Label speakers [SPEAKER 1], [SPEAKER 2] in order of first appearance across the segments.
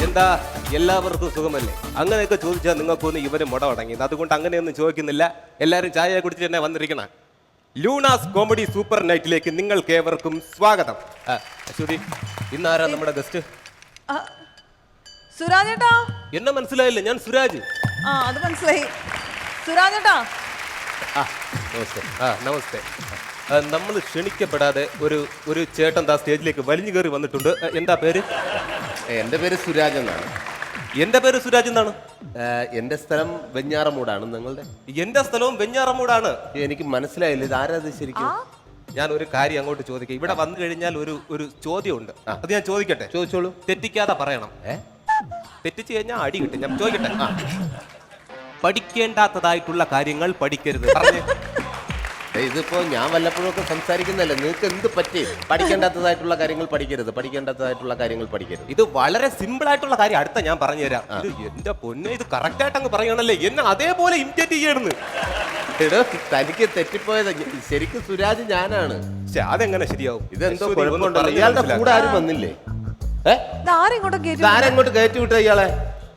[SPEAKER 1] എന്താ എല്ലാവർക്കും സുഖമല്ലേ? അങ്ങനെയൊക്കെ ചോദിച്ചാൽ നിങ്ങൾക്കൊന്നും ഇവര് മുട അടങ്ങിയത്. അതുകൊണ്ട് അങ്ങനെയൊന്നും ചോദിക്കുന്നില്ല. എല്ലാവരും ചായ കുടിച്ചിട്ട് തന്നെ വന്നിരിക്കണം. ലൂണാസ് കോമഡി സൂപ്പർ നൈറ്റിലേക്ക് നിങ്ങൾക്ക് ഏവർക്കും സ്വാഗതം. അശ്വതി, ഇന്നാരാ നമ്മുടെ ഗസ്റ്റ്?
[SPEAKER 2] സുരാജേട്ടാ.
[SPEAKER 1] എന്നെ മനസ്സിലായില്ല, ഞാൻ സുരാജ്.
[SPEAKER 2] അത് മനസ്സിലായി. സുരാജേട്ടാ.
[SPEAKER 1] നമസ്തേ. നമസ്തേ. നമ്മൾ ക്ഷണിക്കപ്പെടാതെ ഒരു ചേട്ടൻ ദാ സ്റ്റേജിലേക്ക് വലിഞ്ഞു കയറി വന്നിട്ടുണ്ട്. എന്താ പേര്?
[SPEAKER 3] എൻ്റെ പേര് സുരാജ് എന്നാണ്.
[SPEAKER 1] എന്റെ പേര് സുരാജ് എന്നാണ്.
[SPEAKER 3] എൻ്റെ സ്ഥലം വെഞ്ഞാറമൂടാണ്. നിങ്ങളുടെ?
[SPEAKER 1] എന്റെ സ്ഥലവും വെഞ്ഞാറമൂടാണ്.
[SPEAKER 3] എനിക്ക് മനസ്സിലായില്ല, ഇത് ആരാത് ശരിക്കും?
[SPEAKER 1] ഞാൻ ഒരു കാര്യം അങ്ങോട്ട് ചോദിക്കാം. ഇവിടെ വന്നു കഴിഞ്ഞാൽ ഒരു ചോദ്യമുണ്ട്, അത് ഞാൻ ചോദിക്കട്ടെ?
[SPEAKER 3] ചോദിച്ചോളൂ.
[SPEAKER 1] തെറ്റിക്കാതെ പറയണം. തെറ്റിച്ചു കഴിഞ്ഞാൽ അടി കിട്ടും. ഞാൻ ചോദിക്കട്ടെ? പഠിക്കേണ്ടാത്തതായിട്ടുള്ള കാര്യങ്ങൾ പഠിക്കരുത്.
[SPEAKER 3] ഇതിപ്പോ ഞാൻ വല്ലപ്പോഴും ഒക്കെ സംസാരിക്കുന്നല്ലേ, നിങ്ങൾക്ക് എന്ത് പറ്റി? പഠിക്കേണ്ടാത്തതായിട്ടുള്ള കാര്യങ്ങൾ പഠിക്കരുത്, പഠിക്കേണ്ടാത്തതായിട്ടുള്ള കാര്യങ്ങൾ പഠിക്കരുത്.
[SPEAKER 1] ഇത് വളരെ സിമ്പിൾ ആയിട്ടുള്ള കാര്യം. അടുത്ത ഞാൻ പറഞ്ഞു തരാം. എന്റെ പൊന്നെ, ഇത് കറക്റ്റ് ആയിട്ട് അങ്ങ് പറയണല്ലേ, എന്നെ അതേപോലെ ഇമിറ്റേറ്റ് ചെയ്യണമെന്ന്.
[SPEAKER 3] തനിക്ക് തെറ്റിപ്പോയത്. ശരിക്കും സുരാജ് ഞാനാണ്.
[SPEAKER 1] അതെങ്ങനെ ശരിയാവും?
[SPEAKER 3] ഇതെന്തോ കുഴപ്പമുണ്ടല്ലോ. ഇയാളുടെ കൂടെ ആരും വന്നില്ലേ? ആരെങ്ങോട്ട് കയറ്റി വിട്ട ഇയാളെ?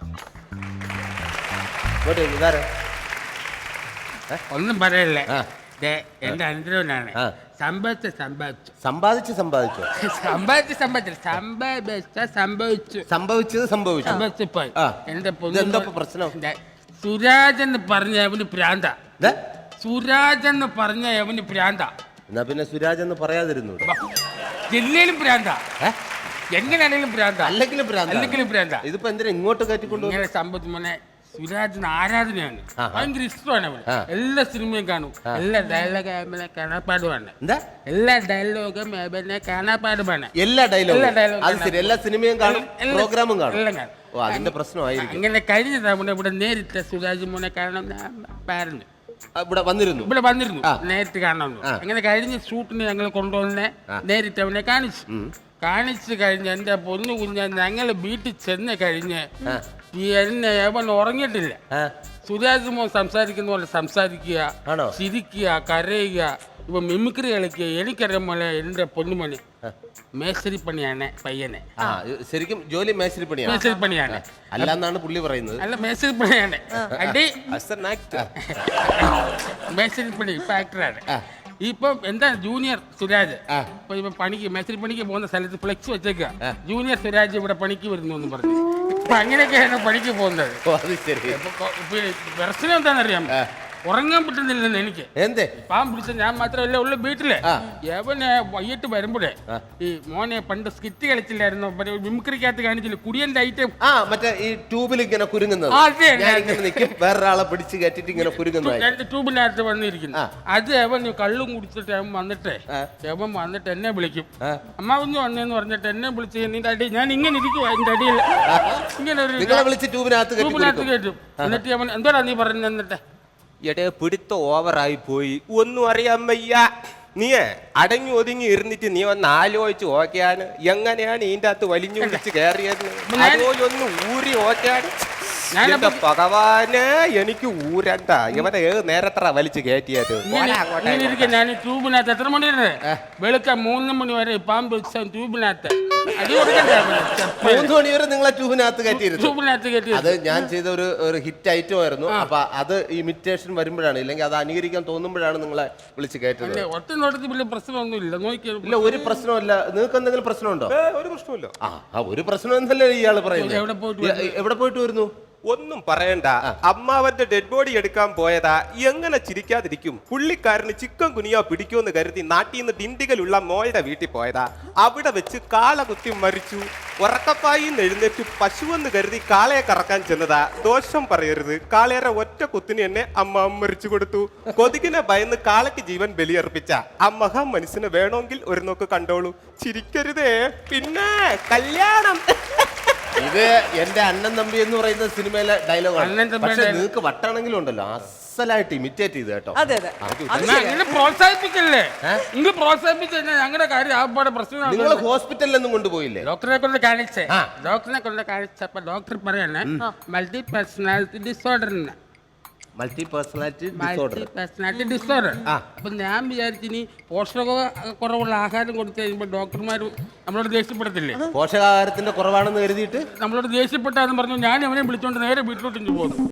[SPEAKER 4] ഒന്നും പറയല്ലേ, എന്റെ അനുഗ്രഹനാണ്. സംഭവിച്ചു
[SPEAKER 3] സമ്പാദിച്ചു
[SPEAKER 4] സംഭവിച്ചത്. എന്റെ
[SPEAKER 3] പ്രശ്നം
[SPEAKER 4] സുരാജ് എന്ന് പറഞ്ഞ അവന് പ്രാന്ത. സുരാജ് എന്ന് പറഞ്ഞ അവന് പ്രാന്ത.
[SPEAKER 3] എന്നാ പിന്നെ സുരാജ് എന്ന് പറയാതിരുന്നു.
[SPEAKER 4] ജില്ലയിലും പ്രാന്ത, എങ്ങനെയാണെങ്കിലും പ്രാന്ത,
[SPEAKER 3] അല്ലെങ്കിലും
[SPEAKER 4] പ്രാന്ത.
[SPEAKER 3] ഇതിപ്പോ എന്തിനാ ഇങ്ങോട്ട് കയറ്റിക്കൊണ്ടു?
[SPEAKER 4] ഇങ്ങനെ സംഭവിച്ചു മോനെ. സുരാജിന് ആരാധനയാണ്, ഭയങ്കര ഇഷ്ടമാണ് അവന്. എല്ലാ സിനിമയും കാണും, എല്ലാ ഡയലോഗും കാണാപ്പാടുമാണ്. എല്ലാ ഡയലോഗും കാണാപ്പാടുമാണ്.
[SPEAKER 3] എല്ലാ ഡയലോഗും എല്ലാ സിനിമയും കാണും, പ്രോഗ്രാമും കാണും.
[SPEAKER 4] എല്ലാം കാണും.
[SPEAKER 3] അതിന്റെ പ്രശ്നമായിരിക്കും.
[SPEAKER 4] അങ്ങനെ കഴിഞ്ഞ തവണ ഇവിടെ നേരിട്ട് സുരാജ് മോനെ കാണണം പറഞ്ഞു.
[SPEAKER 3] ഇവിടെ വന്നിരുന്നു
[SPEAKER 4] നേരിട്ട് കാണണമെന്ന്. അങ്ങനെ കഴിഞ്ഞ ഷൂട്ടിന് ഞങ്ങൾ കൊണ്ടുവന്നെ നേരിട്ട് അവനെ കാണിച്ചു കഴിഞ്ഞ് എന്റെ പൊന്നു കുഞ്ഞ ഞങ്ങൾ വീട്ടിൽ ചെന്ന് കഴിഞ്ഞ് എന്നെ അവൻ ഉറങ്ങിയിട്ടില്ല. സുരാജ് മോൻ സംസാരിക്കുന്ന പോലെ സംസാരിക്കുക, ചിരിക്കുക, കരയുക, ഇപ്പൊ മിമിക്രി കളിക്കുക. എനിക്കറിയാൻ പോലെ എന്റെ പൊന്നുമണി മേശരിപ്പണിയാണ് പയ്യനെ.
[SPEAKER 3] ശരിക്കും ജോലി മേശരിപ്പണിയാണ് അല്ലാന്നാണ് പുള്ളി പറയുന്നത്.
[SPEAKER 4] അല്ല, മേശരിപ്പണിയാണ്. മേശരിപ്പണി ഇപ്പൊ ആക്ടറാണ്. ഇപ്പം എന്താ ജൂനിയർ സുരാജ് ഇപ്പൊ പണിക്ക് മേശരി പണിക്ക് പോകുന്ന സ്ഥലത്ത് ഫ്ലെക്സ് വെച്ചേക്കുക, ജൂനിയർ സുരാജ് ഇവിടെ പണിക്ക് വരുന്നു എന്ന് പറഞ്ഞു. അപ്പൊ അങ്ങനെയൊക്കെയാണ് പണിക്ക് പോകുന്നത്. പ്രശ്നം എന്താണെന്നറിയാം, ഉറങ്ങാൻ പറ്റുന്നില്ലെന്ന് എനിക്ക്. പാവം പിടിച്ച ഞാൻ മാത്രമല്ല ഉള്ള വീട്ടില്. എവനെ വൈകിട്ട് വരുമ്പോഴേ ഈ മോനെ പണ്ട് സ്കിറ്റ് കളിച്ചില്ലായിരുന്നു, മിമിക്രിക്കകത്ത് കാണിച്ചില്ല കുടിയന്റെ ഐറ്റം,
[SPEAKER 3] മറ്റേ ഈ ട്യൂബിൽ ഇങ്ങനെ കുരുങ്ങുന്നത്, വേറൊരാളെ പിടിച്ച് കയറ്റിട്ട് ഇങ്ങനെ കുരുങ്ങുന്നത്,
[SPEAKER 4] ട്യൂബിനകത്ത് വന്നിരിക്കുന്നു. അത് അവൻ കള്ളും കുടിച്ചിട്ട് അവൻ വന്നിട്ട് എന്നെ വിളിക്കും. അമ്മാവന്ന് വന്നേന്ന് പറഞ്ഞിട്ട് എന്നെ വിളിച്ച് നിന്റെ അടി, ഞാൻ ഇങ്ങനെ ഇരിക്കുവാ എന്റെ അടിയിൽ, ഇങ്ങനെ ഒരു ട്യൂബിനകത്ത് കയറ്റും. എന്നിട്ട് അവൻ എന്തോടാ നീ പറഞ്ഞു? എന്നിട്ട്
[SPEAKER 1] എടേ പിടുത്ത ഓവറായി പോയി, ഒന്നും അറിയാൻ വയ്യ. നീ അടങ്ങി ഒതുങ്ങി ഇരുന്നിട്ട് നീ ഒന്ന് ആലോചിച്ച് ഓക്കെയാണ് എങ്ങനെയാണ് ഇതിൻ്റെ അകത്ത് വലിഞ്ഞു വിളിച്ച് കയറിയത്. അതുപോലെ ഒന്ന് ഊരി ഓക്കെയാണ്. ഭഗവാന് എനിക്ക് ഊരണ്ട, ഇവനെ ഏത് നേരത്ര വലിച്ചു കയറ്റിയത്.
[SPEAKER 4] ഞാൻ ട്യൂബിനകത്ത് എത്ര മണി വരെ? വെളുക്ക 3 മണി വരെ പാമ്പ് ട്യൂബിനകത്ത്.
[SPEAKER 3] 3 മണി വരെ നിങ്ങളെ ട്യൂബിനകത്ത് കയറ്റി. അത് ഞാൻ ചെയ്ത ഒരു ഹിറ്റ് ഐറ്റം ആയിരുന്നു. അപ്പൊ അത് ഇമിറ്റേഷൻ വരുമ്പോഴാണ്, ഇല്ലെങ്കിൽ അത് അനുകരിക്കാൻ തോന്നുമ്പോഴാണ് നിങ്ങളെ വിളിച്ച് കയറ്റുന്നത്.
[SPEAKER 4] ഒറ്റ വലിയ പ്രശ്നമൊന്നുമില്ല,
[SPEAKER 3] ഇല്ല ഒരു പ്രശ്നമില്ല. നിങ്ങൾക്ക് എന്തെങ്കിലും പ്രശ്നമുണ്ടോ?
[SPEAKER 1] ഒരു പ്രശ്നമില്ല.
[SPEAKER 3] ഒരു പ്രശ്നം എന്നല്ലേ ഇയാള് പറയുന്നത്. എവിടെ പോയിട്ട് വരുന്നു?
[SPEAKER 1] ഒന്നും പറയണ്ട, അമ്മാവന്റെ ഡെഡ് ബോഡി എടുക്കാൻ പോയതാ. എങ്ങനെ ചിരിക്കാതിരിക്കും? പുള്ളിക്കാരന് ചിക്കൻ കുനിയ പിടിക്കുമെന്ന് കരുതി നാട്ടിൽ നിന്ന് ഡിണ്ടികളുള്ള മോളുടെ വീട്ടിൽ പോയതാ. അവിടെ വെച്ച് കാള കുത്തി മരിച്ചു. ഉറക്കപ്പായി എഴുന്നേറ്റ് പശുവെന്ന് കരുതി കാളയെ കറക്കാൻ ചെന്നതാ. ദോഷം പറയരുത്, കാളയുടെ ഒറ്റ കുത്തിന് എന്നെ അമ്മ മരിച്ചു കൊടുത്തു. കൊതുകിനെ ഭയന്ന് കാളയ്ക്ക് ജീവൻ ബലിയർപ്പിച്ച ആ മഹാ മനുഷ്യനെ വേണമെങ്കിൽ ഒരു നോക്ക് കണ്ടോളൂ. ചിരിക്കരുതേ. പിന്നെ കല്യാണം.
[SPEAKER 3] ഇത് എന്റെ അണ്ണൻ തമ്പി എന്ന് പറയുന്ന സിനിമയിലെ ഡയലോഗാണ്. പക്ഷെ നിങ്ങൾക്ക് വട്ടാണെങ്കിലും ഉണ്ടല്ലോ അസലായിട്ട് ഇമിറ്റേറ്റ് ചെയ്ത് കേട്ടോ.
[SPEAKER 4] പ്രോത്സാഹിപ്പിക്കല്ലേ, നിങ്ങൾ പ്രോത്സാഹിപ്പിച്ച് ഞങ്ങളുടെ കാര്യം പ്രശ്നം.
[SPEAKER 3] നിങ്ങൾ ഹോസ്പിറ്റലിലൊന്നും കൊണ്ടുപോയില്ലേ?
[SPEAKER 4] ഡോക്ടറെ കൊണ്ട് കാണിച്ചപ്പോ ഡോക്ടർ പറയാണ് multi personality disorder.
[SPEAKER 3] Multi personality disorder.
[SPEAKER 4] Personality disorder.
[SPEAKER 3] ആ.
[SPEAKER 4] അപ്പൊ ഞാൻ വിചാരിച്ചിനി പോഷക കുറവുള്ള ആഹാരം കൊടുത്തു കഴിയുമ്പോൾ ഡോക്ടർമാർ നമ്മളോട് ദേഷ്യപ്പെടത്തില്ലേ?
[SPEAKER 3] പോഷകാഹാരത്തിന്റെ കുറവാണെന്ന് കരുതിയിട്ട്
[SPEAKER 4] നമ്മളോട് ദേഷ്യപ്പെട്ടാന്ന് പറഞ്ഞു ഞാൻ അവനെ വിളിച്ചോണ്ട് നേരെ വീട്ടിലോട്ട് പോന്നു.